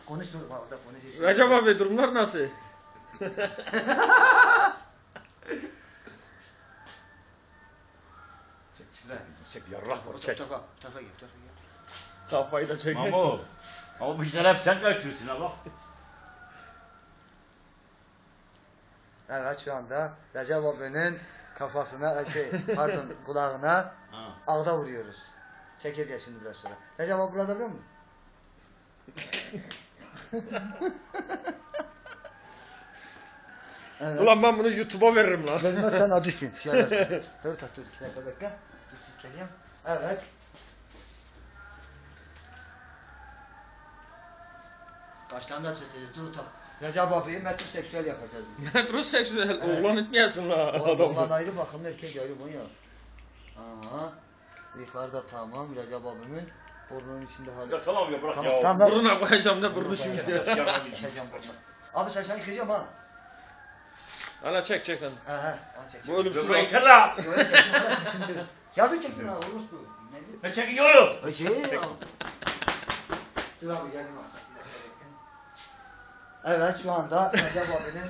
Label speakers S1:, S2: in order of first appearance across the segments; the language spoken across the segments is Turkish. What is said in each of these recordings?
S1: Konuş dur orada konuş.
S2: Recep abi durumlar nasıl?
S3: Çek yarrak var çek.
S1: Tarafa gel.
S2: Kafayı da çek.
S3: Ama bu işler hep sen kaçıyorsun ha bak.
S1: Evet şu anda Recep abinin kafasına pardon kulağına ağda vuruyoruz. Çekeceğiz şimdi biraz sonra. Recep abi burada biliyor musun? Evet.
S2: Ulan ben bunu YouTube'a veririm lan.
S1: Vermez sen acısın. Dur 2 dakika bekle. Dur silkeleyeyim. Evet. Kaçtan da çeteceğiz. Dur tak. Recep abiyi metroseksüel yapacağız.
S2: Metroseksüel oğlan etmeyesin la
S1: Oğlan
S2: adamı.
S1: ayrı bakımlı erkek ayrı bu ya. Aha. Yukarıda tamam Recep abimin burnunun içinde hali.
S3: Ya tamam ya bırak
S1: Tamam,
S3: ya.
S1: tamam.
S2: Buruna koyacağım ne burnu şimdi.
S1: Çekeceğim burnunu. Abi sen yıkayacağım ha.
S2: Hala çek çek lan.
S1: He al çek.
S2: Bu ölümsüz
S3: Dur
S2: lan.
S3: yeter la.
S1: Böyle çeksin böyle çeksin dur. Ya dur çeksin ha olur bu. Nedir?
S3: Ne çekiyorum?
S1: Ay Dur abi geldim abi. Evet şu anda Recep abinin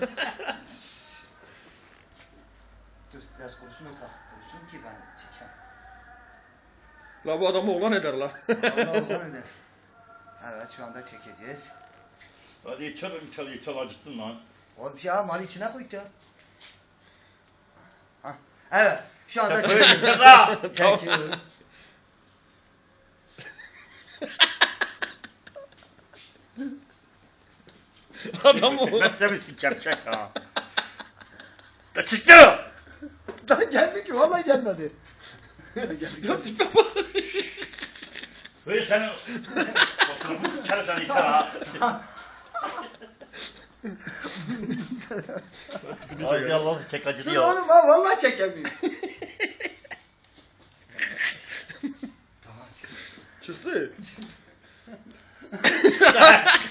S1: dur biraz konuşsun o konuşsun ki ben çekeyim.
S2: La bu adamı oğlan eder la.
S1: Allah öyle. Evet şu anda çekeceğiz.
S3: Hadi çal acıttın lan.
S1: Oğlum ya mal içine koy ya. Hah. Evet şu anda
S3: Yeter
S1: çekiyoruz.
S3: la.
S1: Çekiyoruz.
S2: Adam o.
S3: Çekmezse misin kepçek ha? Da çıktı.
S1: Lan gelmiyor ki vallahi gelmedi.
S2: Ya tipe bak.
S3: Böyle senin fotoğrafını sıkarım sen içer ha. Hadi Allah çek acıdı
S1: Dur
S3: ya.
S1: oğlum ha vallahi çekemiyor. Tamam çık.
S2: Çıktı.